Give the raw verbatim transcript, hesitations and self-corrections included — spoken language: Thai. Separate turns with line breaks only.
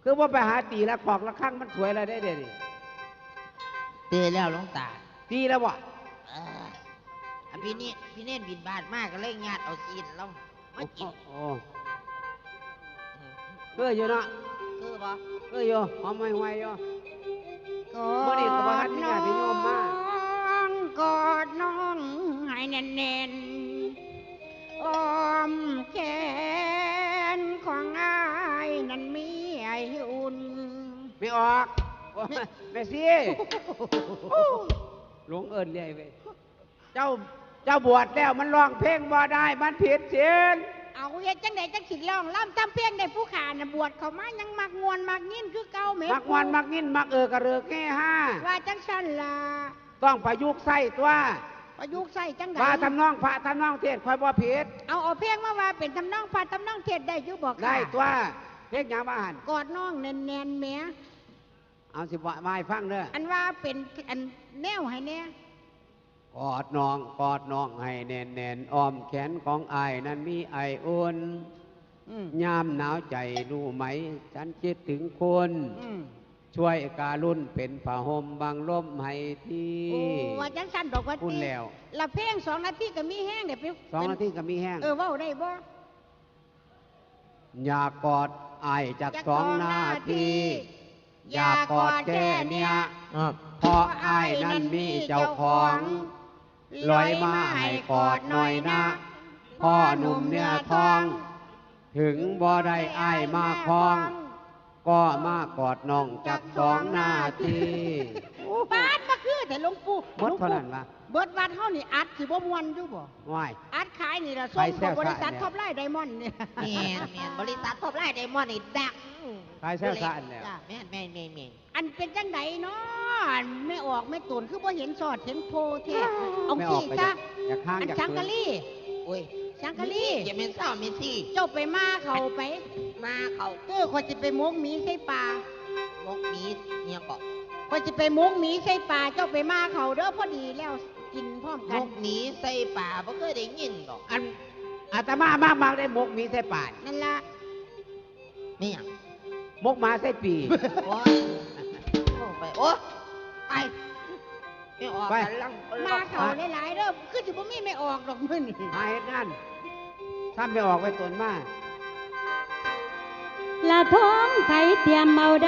คือว่าไปหาตีละขอกละข้างมันสวยอะไรได้เดี๋ยวนี้
ตื่นแล้วหลวงตา
ตีแล้ววะ
เออพี่นี่พี่เน่นบินบาทมากก็เลยงาดเอาซีนแล้วมากิน
โอ้เพื่ออยู่เนาะ
คือบ่
เพื่ออยู่หอมไม่ไหวอยู่
กอดน้องกอดน้องให้แน่นๆอ้อมแขนของอ้ายนั้นมีไออุ่น
ไม่ออกแม่ซี่หลงเอิญเลยเว้ยเจ้าเจ้าบวชแล้วมันร้องเพลงบ่ได้มันผิดศีล
เอาเฮ็ดจังไดจังสิร้องล่ำจำเพลงได้ผู้ขาน่ะบวชเขามายังมักงวนมักยินคือเก่าแม่
มักงวนมักยินมักเออกระเรือกแง่ห้า
ว่าจังซั่นล่ะ
ต้องประยุกต์ใส่ตัว
ประยุกต์ใส่จังได
ว่าทำนองพระทำนองเทศคอยบ่ผิด
เอาเอาเพลงมาว่าเป็นทำนองพระทำนองเทศได้อยู่บ่
ได้ตัวเพลงหยังมาหัน
กอดน้องแน่นๆแม่
เอาสิบ่มาให้ฟังเด้อ
อันว่าเป็นอันแนวให้แน่
กอดน้องกอดน้องให้แน่นแน่นอ้อมแขนของอายนั้นมีไออุ่นยามหนาวใจรู้ไหมฉันคิดถึงคุณช่วยการุณเป็นผ้าห่มบังลมให้ที
โอ้ว่าจังสันดอกว่า
พูดแล้ว
ละเพลงสองนาทีก็มีแห้งเดี๋ยวไป
สองนาทีก็มีแห้ง
เออว่าได้บ่
อยากกอดอายจากสองนาทีอยากกอดแค่เนี้ยเพราะอายนั้นมีเจ้าของลอยมาให้กอดหน่อยนะพ่อหนุ่มเนื้อทองถึงบ่ได้อายมาคล้องก็มากอดน้องจากสองนาที
บ้านมาคือแต่หลวงปู่
บดเท่านั้นวะ
เบิดวัดเฮานี่อัดสิบ่ม่วนอยู่บ่
ว้าย
อัดขายนี่ล่ะส่งกับบริษัทท็อปไลน์ไดมอนด์นี่
แม่นแม่นบริษัทท็อปไลน์ไดมอนด์นี่ดัง
ขายแซ่บซ่านแล้ว
แม่นแม่นแม่นแม่น
อันเป็นจังไดเนาะไม่ออกไม่ตุนคือบ่เห็นสอดเห็นโพแท้เอาขี้ซะอันสังกะลี
โอ้ย
สังกะลี
อย่าเม่นเศร้าเม่นซี่
เจ้าไปมาเขาไป
มาเขา
เออคนสิไปมกหมีใส่ป่าม
กหมีเนี่ยก็
คนสิไปมกหมีใส่ป่าเจ้าไปมาเขาเด้อพอดีแล้วกินพร้อมกัน
มกหมีใส่ป่าบ่เคยได้ยินหรอก
อันอาตมามากมากได้มกหมีใส่ป่า
นั่นล่ะ
นี่หยัง
มกหมาใส่ปี
โอ้ยไปโอ้ไปไม่ออกกันลัง
มาเขาหลายๆเด้อคือสิบ่มีไม่ออกดอกมื้อนี่
หาเฮ็ดงานถ้าไม่ออกไปตนมา
ละท้องไผเตรียมเมา